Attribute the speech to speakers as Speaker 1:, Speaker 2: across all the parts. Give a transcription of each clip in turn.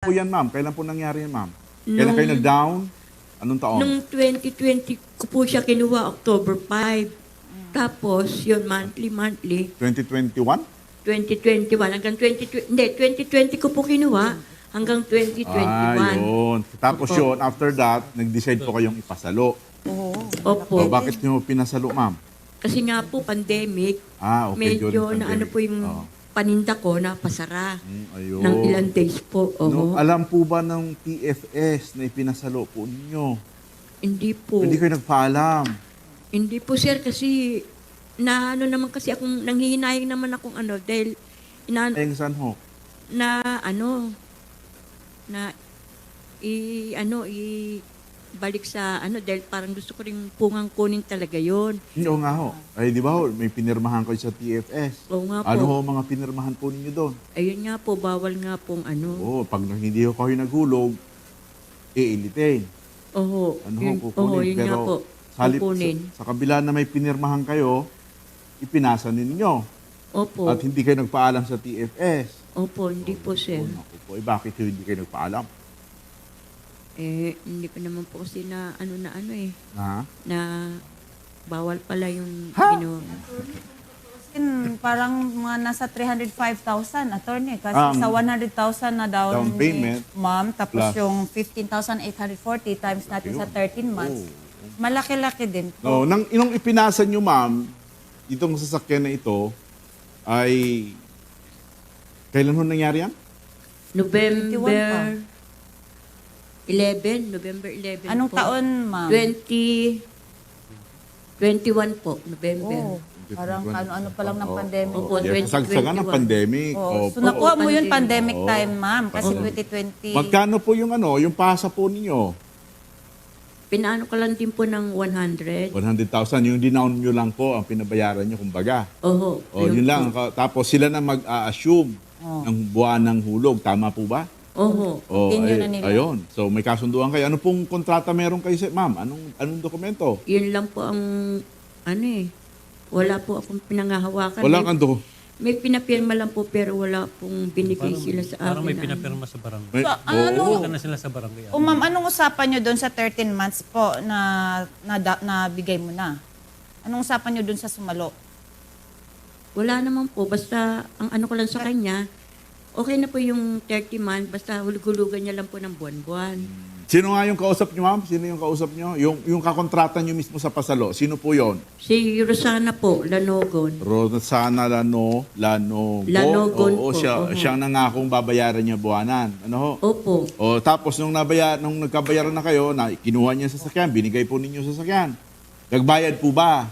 Speaker 1: po yan, ma'am? Kailan po nangyari yan, ma'am? Kailan kayo
Speaker 2: Nung-
Speaker 1: nag-down? Anong taon?
Speaker 2: Nung 2020 ko po siya kinuha, October 5. Tapos, yun, monthly,
Speaker 1: 2021?
Speaker 2: 2021 hanggang 2020, hindi, 2020 ko po kinuha hanggang 2021.
Speaker 1: Yun. Tapos
Speaker 2: Opo.
Speaker 1: yun, after that, nag-decide po kayong ipasalo.
Speaker 2: Opo.
Speaker 1: O, bakit nyo pinasalo, ma'am?
Speaker 2: Kasi nga po, pandemic,
Speaker 1: Okay,
Speaker 2: medyo
Speaker 1: during
Speaker 2: na ano
Speaker 1: pandemic.
Speaker 2: po yung
Speaker 1: Oo.
Speaker 2: paninda ko na pasara
Speaker 1: Ayun.
Speaker 2: ng ilang days po.
Speaker 1: No,
Speaker 2: Oo.
Speaker 1: alam po ba ng TFS na ipinasalo po ninyo?
Speaker 2: Hindi po.
Speaker 1: Hindi kayo nagpaalam.
Speaker 2: Hindi po, sir, kasi na ano naman kasi akong nanghihinayang naman akong ano dahil
Speaker 1: Ay, saan ho?
Speaker 2: na ano na balik sa ano dahil parang gusto ko ring pungang kunin talaga yon.
Speaker 1: Oo nga ho. Ay, di ba ho, may pinirmahan kayo sa TFS.
Speaker 2: Oo nga po.
Speaker 1: Ano ho mga pinirmahan po ninyo doon?
Speaker 2: Ayun nga po, bawal nga pong ano.
Speaker 1: Oo, pag hindi ho kayo naghulog, iilitin.
Speaker 2: Oo.
Speaker 1: Ano ho,
Speaker 2: Yun,
Speaker 1: kukunin.
Speaker 2: oo, yun nga po. Kukunin.
Speaker 1: Sa kabila na may pinirmahan kayo, ipinasa ninyo.
Speaker 2: Opo.
Speaker 1: At hindi kayo nagpaalam sa TFS.
Speaker 2: Opo, hindi po, sir.
Speaker 1: Naku po, bakit hindi kayo nagpaalam?
Speaker 2: Hindi pa naman po kasi na ano
Speaker 1: Ha?
Speaker 2: na bawal pala yung
Speaker 1: Ha?
Speaker 3: Parang mga nasa 305,000, attorney. Kasi
Speaker 1: Ang
Speaker 3: sa 100,000 na down,
Speaker 1: down payment,
Speaker 3: ni ma'am, tapos
Speaker 1: plus-
Speaker 3: yung 15,840 times natin sa 13 months. Malaki-laki din
Speaker 1: No,
Speaker 3: po.
Speaker 1: nung ipinasa nyo, ma'am, itong sasakyan na ito, ay... Kailan ho nangyari yan?
Speaker 2: November 11
Speaker 3: Anong
Speaker 2: po.
Speaker 3: taon, ma'am?
Speaker 2: 2021 po, November.
Speaker 3: Oh, parang ano-ano pa lang ng pandemic.
Speaker 2: Opo,
Speaker 1: Yeah, kasagsagan ng
Speaker 2: 2021.
Speaker 1: pandemic.
Speaker 3: Oh,
Speaker 1: Opo.
Speaker 3: so nakuha mo yun
Speaker 2: Pandemic.
Speaker 3: pandemic time, ma'am. Kasi 2020.
Speaker 1: Magkano po yung yung pasa po ninyo?
Speaker 2: Pinaano ko lang din po ng 100.
Speaker 1: 100,000. Yung dinown nyo lang po ang pinabayaran nyo, kumbaga.
Speaker 2: Oho.
Speaker 1: O, yun lang. Tapos sila na mag-a-assume ng buwan ng hulog. Tama po ba?
Speaker 2: Oho.
Speaker 1: O,
Speaker 3: Continue na nila.
Speaker 1: ayun. So, may kasunduan kayo. Ano pong kontrata meron kayo, ma'am? Anong dokumento?
Speaker 2: Yun lang po ang wala po akong pinangahawakan.
Speaker 1: Wala kang
Speaker 2: May pinapirma lang po pero wala pong binigay sila sa akin.
Speaker 4: Parang may
Speaker 2: na ano.
Speaker 4: pinapirma sa barangay.
Speaker 1: May,
Speaker 3: So,
Speaker 1: Oo.
Speaker 4: Punta na sila sa barangay.
Speaker 3: O ma'am, anong usapan nyo doon sa 13 months po na bigay mo na? Anong usapan nyo doon sa sumalo?
Speaker 2: Wala naman po. Basta ang ano ko lang sa kanya, okay na po yung 30 months. Basta hulug-hulugan niya lang po ng buwan-buwan.
Speaker 1: Sino nga yung kausap nyo, ma'am? Sino yung kausap nyo? Yung kakontrata nyo mismo sa pasalo. Sino po yon?
Speaker 2: Si Rosana po, Lanogon.
Speaker 1: Rosana Lanogon.
Speaker 2: Lanogon
Speaker 1: Oo,
Speaker 2: po,
Speaker 1: siya,
Speaker 2: oo.
Speaker 1: siyang nangakong babayaran niya buwanan. Ano ho?
Speaker 2: Opo.
Speaker 1: O, tapos nung nagkabayaran na kayo, kinuha niya sa sasakyan, binigay po ninyo sa sasakyan. Nagbayad po ba?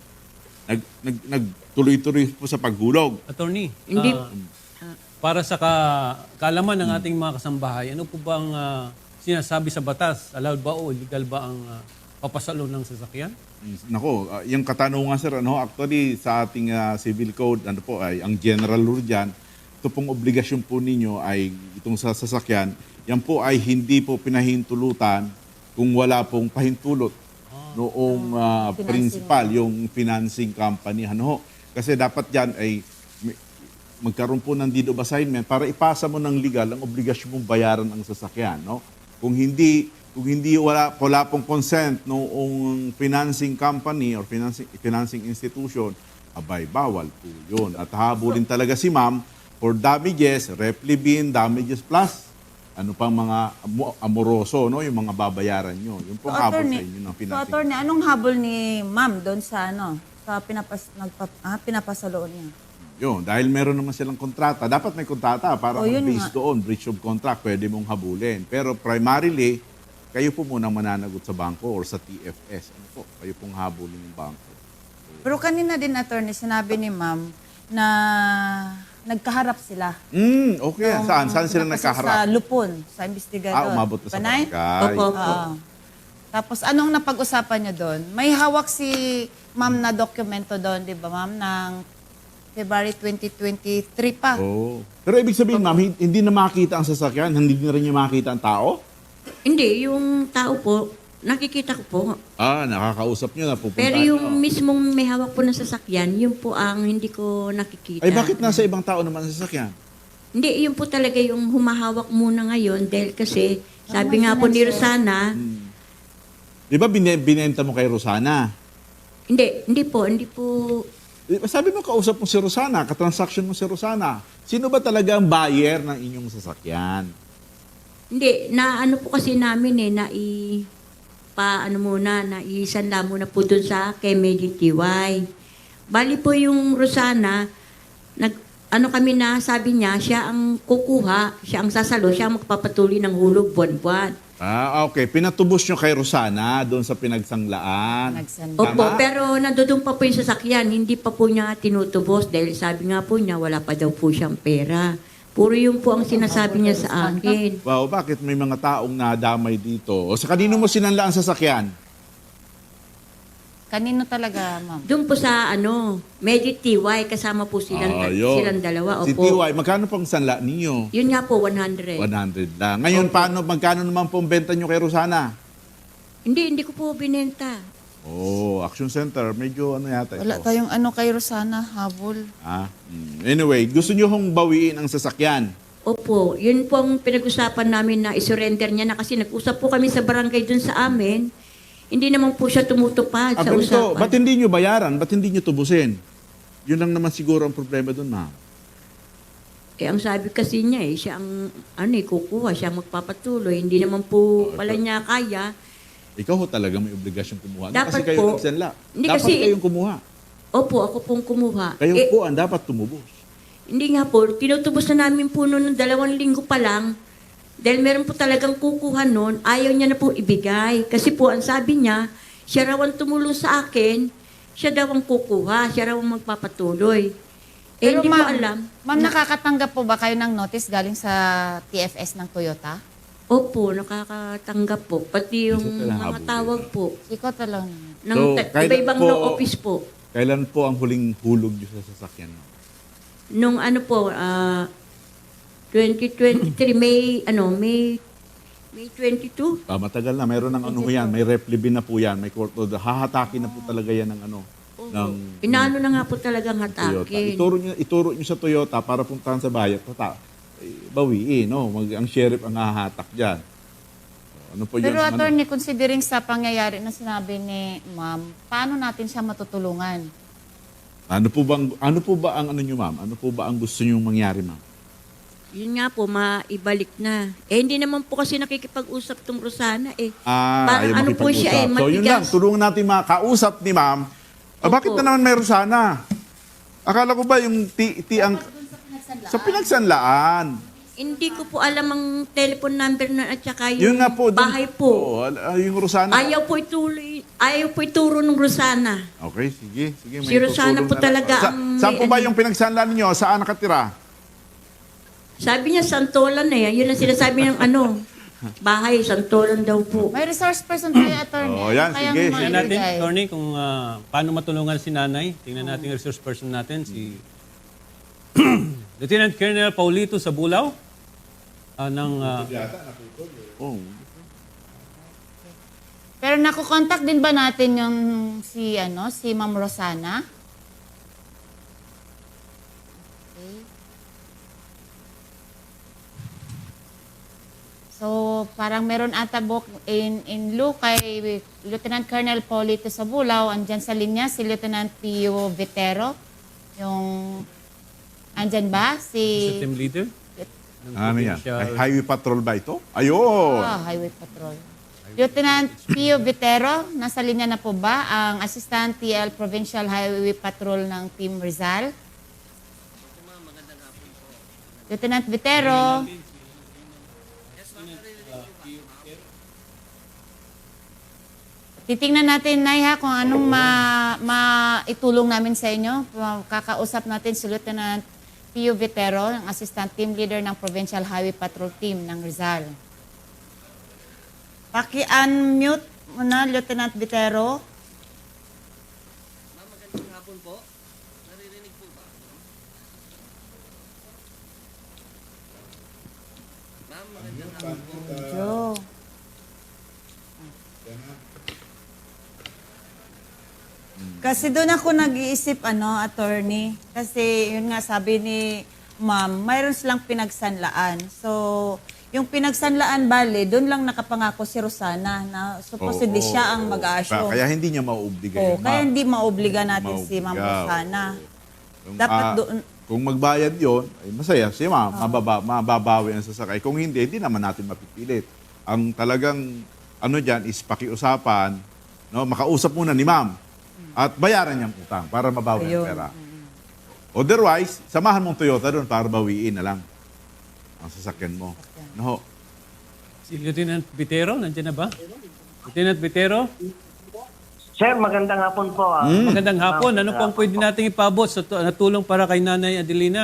Speaker 1: Nagtuloy-tuloy po sa paghulog.
Speaker 4: Attorney,
Speaker 2: Hindi.
Speaker 4: para sa kaalaman ng ating mga kasambahay, ano po bang sinasabi sa batas? Allowed ba o illegal ba ang papasalo ng sasakyan?
Speaker 1: Nako, yung katanungan sir, actually sa ating civil code, ay ang general rule dyan, ito pong obligasyon po ninyo ay itong sa sasakyan, yan po ay hindi po pinahintulutan kung wala pong pahintulot noong principal, yung financing company. Kasi dapat yan ay magkaroon po ng deed of assignment para ipasa mo ng legal ang obligasyon mong bayaran ang sasakyan. No? Kung hindi wala pong consent noong financing company or financing institution, abay, bawal po yun. At habulin talaga si ma'am for damages, replibin, damages plus, ano pang mga amoroso, no? Yung mga babayaran nyo. Yung pong habol sa inyo ng
Speaker 3: So,
Speaker 1: financing.
Speaker 3: attorney, anong habol ni ma'am doon sa sa pinapasaloon niya?
Speaker 1: Yun, dahil meron naman silang kontrata. Dapat may kontrata para
Speaker 3: yun
Speaker 1: based doon, breach of contract, pwede mong habulin. Pero primarily, kayo po munang mananagot sa bangko or sa TFS. Ano po? Kayo pong habulin ng bangko.
Speaker 3: Pero kanina din, attorney, sinabi ni ma'am na nagkaharap sila.
Speaker 1: Okay. Saan sila
Speaker 3: Kasi
Speaker 1: nagkaharap?
Speaker 3: Sa Lupon, sa investigador.
Speaker 1: Umabot na sa
Speaker 3: Panay?
Speaker 1: barangay.
Speaker 2: Opo.
Speaker 3: Oo. Tapos anong napag-usapan niyo doon? May hawak si ma'am na dokumento doon, di ba ma'am, ng February 2023 pa.
Speaker 1: Oh. Pero ibig sabihin, ma'am, hindi na makita ang sasakyan, hindi na rin niya makita ang tao?
Speaker 2: Hindi, yung tao po, nakikita ko po.
Speaker 1: Nakakausap niyo na pupunta.
Speaker 2: Pero yung mismong may hawak po ng sasakyan, yun po ang hindi ko nakikita.
Speaker 1: Ay, bakit nasa ibang tao naman ang sasakyan?
Speaker 2: Hindi, yun po talaga yung humahawak muna ngayon dahil kasi sabi nga po ni Rosana,
Speaker 1: Di ba binenta mo kay Rosana?
Speaker 2: hindi po.
Speaker 1: Sabi mo, kausap mo si Rosana, katransaction mo si Rosana. Sino ba talaga ang buyer ng inyong sasakyan?
Speaker 2: Hindi, na ano po kasi namin naisanla muna po dun sa kay MediTY. Bali po yung Rosana, kami na sabi niya, siya ang kukuha, siya ang sasalo, siya ang magpapatuloy ng hulog buwan-buwan.
Speaker 1: Okay. Pinatubos nyo kay Rosana doon sa pinagsanglaan.
Speaker 3: Nagsanda.
Speaker 2: Opo,
Speaker 1: Tama.
Speaker 2: pero nandoon pa po yung sasakyan, hindi pa po niya tinutubos dahil sabi nga po niya, wala pa daw po siyang pera. Puro yung po ang sinasabi niya sa akin.
Speaker 1: Wow, bakit may mga taong nadamay dito? O sa kanino mo sinanla ang sasakyan?
Speaker 3: Kanino talaga, ma'am?
Speaker 2: Doon po sa MediTY, kasama po
Speaker 1: Yun.
Speaker 2: silang dalawa.
Speaker 1: Si
Speaker 2: Opo.
Speaker 1: TY, magkano pang sanla ninyo?
Speaker 2: Yun nga po, 100.
Speaker 1: 100 lang. Ngayon, magkano naman po ang benta nyo kay Rosana?
Speaker 2: Hindi ko po binenta.
Speaker 1: Action Center, medyo yata ito.
Speaker 3: Wala tayong kay Rosana, habol.
Speaker 1: Anyway, gusto nyo hong bawiin ang sasakyan?
Speaker 2: Opo, yun po ang pinag-usapan namin na isurrender niya na kasi nag-usap po kami sa barangay dun sa amin. Hindi naman po siya tumutupad sa
Speaker 1: Ganito,
Speaker 2: usapan.
Speaker 1: ba't hindi nyo bayaran? Ba't hindi nyo tubusin? Yun lang naman siguro ang problema doon, ma'am.
Speaker 2: Ang sabi kasi niya siya ang kukuha, siya ang magpapatuloy. Hindi naman po pala niya kaya.
Speaker 1: Ikaw ho talaga may obligasyon kumuha.
Speaker 2: Dapat
Speaker 1: kasi kayo
Speaker 2: po.
Speaker 1: nagsanla.
Speaker 2: Hindi
Speaker 1: Dapat
Speaker 2: kasi-
Speaker 1: kayong kumuha.
Speaker 2: Opo, ako pong kumuha.
Speaker 1: Kayo po ang dapat tumubos.
Speaker 2: Hindi nga po, tinutubos na namin po noon ng 2 linggo pa lang. Dahil meron po talagang kukuha noon, ayaw niya na po ibigay. Kasi po, ang sabi niya, siya raw ang tumulong sa akin, siya daw ang kukuha, siya raw ang magpapatuloy.
Speaker 3: Pero
Speaker 2: Hindi ko
Speaker 3: ma'am,
Speaker 2: alam.
Speaker 3: ma'am, nakakatanggap po ba kayo ng notice galing sa TFS ng Toyota?
Speaker 2: Opo, nakakatanggap po. Pati yung
Speaker 1: Isa talaga
Speaker 2: mga
Speaker 1: habulin.
Speaker 2: tawag po.
Speaker 3: Ikaw talaga.
Speaker 2: Ng
Speaker 1: So, kailan
Speaker 2: iba-ibang
Speaker 1: po-
Speaker 2: law office po.
Speaker 1: Kailan po ang huling hulog nyo sa sasakyan? Ma'am?
Speaker 2: Nung 2023, May 22?
Speaker 1: Matagal na. Mayroon ng yan. May replibin na po yan. May court order. Hahatakin na po talaga yan ng ng
Speaker 2: Inaano na nga po talagang
Speaker 1: Toyota.
Speaker 2: hatakin.
Speaker 1: Ituro nyo sa Toyota para puntahan sa bayan. Bawiin, no? Ang sheriff ang hahatak dyan. Ano po
Speaker 3: Pero
Speaker 1: yan?
Speaker 3: attorney, considering sa pangyayari na sinabi ni ma'am, paano natin siya matutulungan?
Speaker 1: Ano po ba ang nyo, ma'am? Ano po ba ang gusto nyo mangyari, ma'am?
Speaker 2: Yun nga po, maibalik na. Hindi naman po kasi nakikipag-usap tong Rosana Parang
Speaker 1: ayaw
Speaker 2: ano po
Speaker 1: makipag-usap.
Speaker 2: siya
Speaker 1: So yun lang,
Speaker 2: matigas.
Speaker 1: tulungan natin makausap ni ma'am. Bakit
Speaker 2: Opo.
Speaker 1: na naman meron sana? Akala ko ba yung ang sa pinagsanlaan?
Speaker 2: Hindi ko po alam ang telephone number na at saka
Speaker 1: Yun
Speaker 2: yung
Speaker 1: nga po.
Speaker 2: bahay po.
Speaker 1: Yung Rosana.
Speaker 2: Ayaw po ituro ng Rosana.
Speaker 1: Okay, sige. May
Speaker 2: Si Rosana
Speaker 1: tutulong
Speaker 2: po
Speaker 1: na lang.
Speaker 2: talaga ang
Speaker 1: Saan po
Speaker 2: may
Speaker 1: ba yung pinagsanlaan ninyo? Saan nakatira?
Speaker 2: Sabi niya, Santolan na yan. Yun ang sinasabi ng bahay, Santolan daw po.
Speaker 3: May resource person tayo, attorney.
Speaker 1: Yan,
Speaker 3: Kayang
Speaker 1: sige.
Speaker 4: Tingnan natin,
Speaker 3: maibigay.
Speaker 4: attorney, kung paano matulungan si nanay. Tingnan natin yung resource person natin, si Lieutenant Colonel Paulito Sabulaw ng
Speaker 1: Oh.
Speaker 3: Pero nakukontakt din ba natin yung si Ma'am Rosana? Okay. So, parang meron ata book in lieu kay Lieutenant Colonel Paulito Sabulaw, andyan sa linya si Lieutenant Pio Vitero. Yung, andyan ba? Si
Speaker 4: team leader. ng
Speaker 1: Ano yan?
Speaker 4: provincial-
Speaker 1: Highway patrol ba ito? Ayun!
Speaker 3: Highway Patrol. Lieutenant Pio Vitero, nasa linya na po ba ang Assistant TL Provincial Highway Patrol ng Team Rizal? Lieutenant Vitero. Titingnan natin, Nay, ha, kung anong maitulong namin sa inyo. Kakausap natin si Lieutenant Pio Vitero, ang Assistant Team Leader ng Provincial Highway Patrol Team ng Rizal. Paki-unmute mo na, Lieutenant Vitero.
Speaker 5: Ma'am, magandang hapon po. Naririnig po ba? Ma'am, magandang hapon po.
Speaker 3: Medyo. Kasi doon ako nag-iisip, attorney. Kasi yun nga sabi ni
Speaker 6: ma'am, mayroon silang pinagsanlaan. So, yung pinagsanlaan, bale, doon lang nakapangako si Rosana na supposedly siya ang mag-a-assume.
Speaker 1: Kaya hindi niya mauobliga
Speaker 6: Oh,
Speaker 1: yun,
Speaker 6: kaya
Speaker 1: ma'am.
Speaker 6: hindi maobliga natin si Ma'am
Speaker 1: Maobliga,
Speaker 6: Rosana.
Speaker 1: Kung,
Speaker 6: Dapat doon,
Speaker 1: kung magbayad yon, ay masaya si ma'am, mababawi ang sasakay. Kung hindi naman natin mapipilit. Ang talagang ano diyan is pakiusapan, no, makausap muna ni ma'am at bayaran niyang utang para mabawi ang
Speaker 6: Ayun.
Speaker 1: pera. Otherwise, samahan mong Toyota doon para bawiin na lang ang sasakyan mo. No.
Speaker 4: Si Lieutenant Vitero, nandiyan na ba? Lieutenant Vitero,
Speaker 7: Sir, magandang hapon po.
Speaker 4: magandang hapon. Ano pang pwede nating ipabot sa na tulong para kay Nanay Adelina?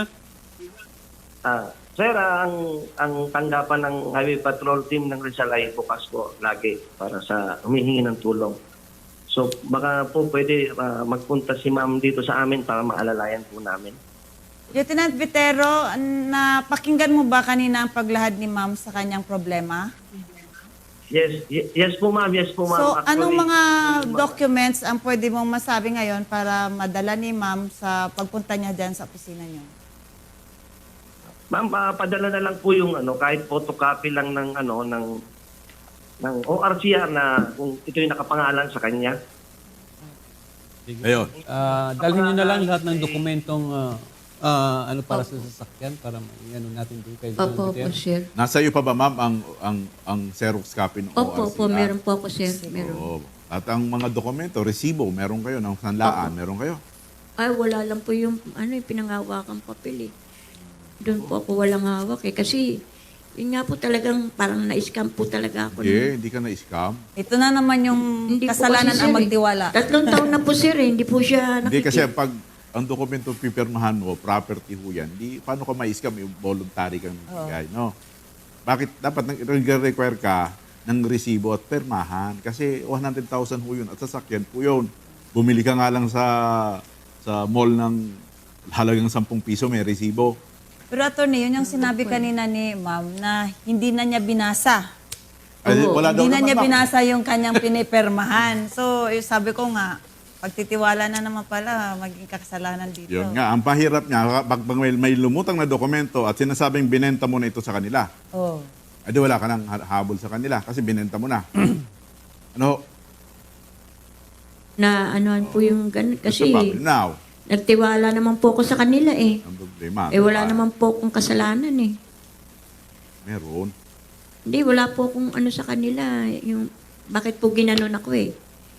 Speaker 7: Sir, ang tanggapan ng Highway Patrol Team ng Rizal ay bukas po lagi para sa humihingi ng tulong. So baka po pwede magpunta si ma'am dito sa amin para maalalayan po namin.
Speaker 6: Lieutenant Vitero, napakinggan mo ba kanina ang paglahad ni ma'am sa kanyang problema?
Speaker 7: Yes po ma'am, yes po ma'am.
Speaker 6: So,
Speaker 7: Actually,
Speaker 6: anong mga documents ang pwede mong masabi ngayon para madala ni ma'am sa pagpunta niya dyan sa opisina niyo?
Speaker 7: Ma'am, padala na lang po yung kahit photocopy lang ng ng ORCR na kung ito yung nakapangalan sa kanya.
Speaker 1: Ayun.
Speaker 4: Dalhin nyo na lang lahat ng dokumentong ano para sa sasakyan para ano natin doon kay Lieutenant
Speaker 2: Opo,
Speaker 4: Vitero.
Speaker 2: sir.
Speaker 1: Nasa iyo pa ba ma'am ang Xerox copy ng ORCR?
Speaker 2: Opo, meron po ako, sir. Meron.
Speaker 1: Oo. At ang mga dokumento, resibo, meron kayo ng sanlaan, meron kayo.
Speaker 2: Ay, wala lang po yung, yung pinanghawakan papel eh. Doon po ako walang hawak eh. Kasi, yun nga po talagang parang na-scam po talaga ako.
Speaker 1: Hindi ka na-scam.
Speaker 6: Ito na naman yung
Speaker 2: Hindi po
Speaker 6: kasalanan
Speaker 2: kasi,
Speaker 6: ang
Speaker 2: sir,
Speaker 6: magtiwala.
Speaker 2: 3 taon na po, sir eh. Hindi po siya
Speaker 1: Hindi kasi pag ang dokumento pipirmahan mo, property ho yan, paano ka ma-scam yung voluntary kang bigay, no? Bakit dapat nag-require ka ng resibo at permahan? Kasi 100,000 ho yun at sasakyan po yun. Bumili ka nga lang sa mall ng halagang 10 piso, may resibo.
Speaker 6: Pero attorney, yun yung sinabi kanina ni ma'am na hindi na niya binasa.
Speaker 1: Ay, wala daw
Speaker 6: Hindi na
Speaker 1: naman,
Speaker 6: niya
Speaker 1: ma'am.
Speaker 6: binasa yung kanyang pinipermahan. So, sabi ko nga, pagtitiwala na naman pala, maging kasalanan dito.
Speaker 1: Yun nga, ang pahirap niya, pag may lumutang na dokumento at sinasabing binenta mo na ito sa kanila,
Speaker 6: Oh.
Speaker 1: di wala ka nang habol sa kanila kasi binenta mo na. Ano?
Speaker 2: na anuhan po yung ganun.
Speaker 1: Kasi,
Speaker 2: Kasi,
Speaker 1: now,
Speaker 2: nagtiwala naman po ako sa kanila eh.
Speaker 1: ang problema.
Speaker 2: Eh, wala naman po akong kasalanan eh.
Speaker 1: Meron.
Speaker 2: Hindi, wala po akong ano sa kanila. Yung, bakit po ginanon ako eh.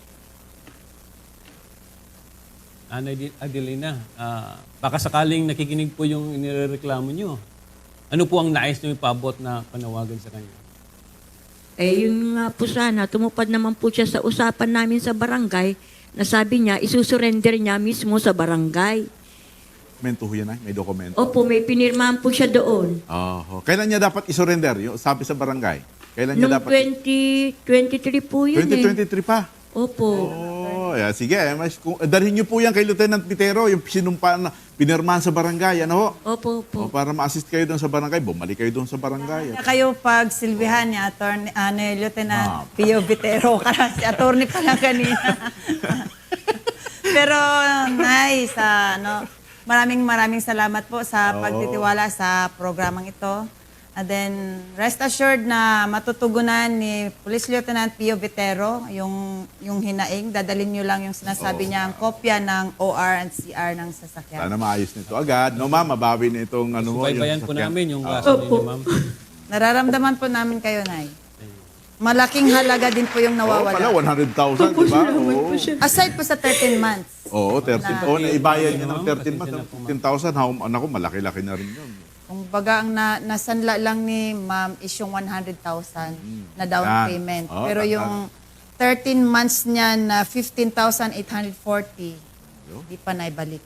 Speaker 4: Nanay Adelina, baka sakaling nakikinig po yung inireklamo nyo. Ano po ang nais nyo ipabot na panawagan sa kanya?
Speaker 2: Eh, yun nga po sana, tumupad naman po siya sa usapan namin sa barangay na sabi niya, isusurrender niya mismo sa barangay.
Speaker 1: Dokumento ho yan ay, may dokumento.
Speaker 2: Opo, may pinirmahan po siya doon.
Speaker 1: Kailan niya dapat isurrender? Yung sabi sa barangay. Kailan niya
Speaker 2: Noong
Speaker 1: dapat?
Speaker 2: 2023 po yun
Speaker 1: 2023 pa.
Speaker 2: Opo.
Speaker 1: Yeah, sige. Dalhin niyo po yan kay Lieutenant Vitero, yung sinumpa na pinirmahan sa barangay. Ano ho?
Speaker 2: Opo, opo.
Speaker 1: Para ma-assist kayo doon sa barangay, bumalik kayo doon sa barangay.
Speaker 6: Kaya kayo pag silbihan niya, attorney, Lieutenant Pio Vitero, kasi attorney pa lang kanina. Pero nice, maraming salamat po sa pagtitiwala sa programang ito. And then, rest assured na matutugunan ni Police Lieutenant Pio Vitero yung hinaing. Dadalhin nyo lang yung sinasabi niya, ang kopya ng OR and CR ng sasakyan.
Speaker 1: Sana maayos nito agad. No, ma'am, mabawi na itong ano mo.
Speaker 4: Subaybayan po
Speaker 1: sasakyan.
Speaker 4: namin yung kaso ninyo, ma'am.
Speaker 6: Nararamdaman po namin kayo, Nay. Malaking halaga din po yung
Speaker 1: Pala,
Speaker 6: nawawala.
Speaker 1: 100,000, di ba? Oo.
Speaker 6: Aside po sa 13 months.
Speaker 1: Oo, 13. Naibayad niya ng 13 months. 15,000. Anak ko, malaki-laki na rin yun.
Speaker 6: Kung baga, ang nasanla lang ni ma'am is yung 100,000 na down
Speaker 1: Yan.
Speaker 6: payment.
Speaker 1: Oh,
Speaker 6: Pero
Speaker 1: tanda.
Speaker 6: yung 13 months niya na 15,840, di pa naibalik.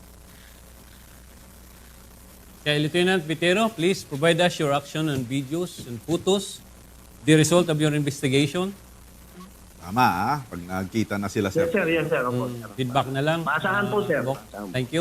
Speaker 4: Kaya Lieutenant Vitero, please provide us your action and videos and photos, the result of your investigation.
Speaker 1: Tama, Pag nagkita na sila, sir.
Speaker 7: Yes, sir. Opo, sir.
Speaker 4: Feedback na lang.
Speaker 7: Maasahan po, sir.
Speaker 4: Bok.
Speaker 7: Maasahan po.
Speaker 4: Thank you.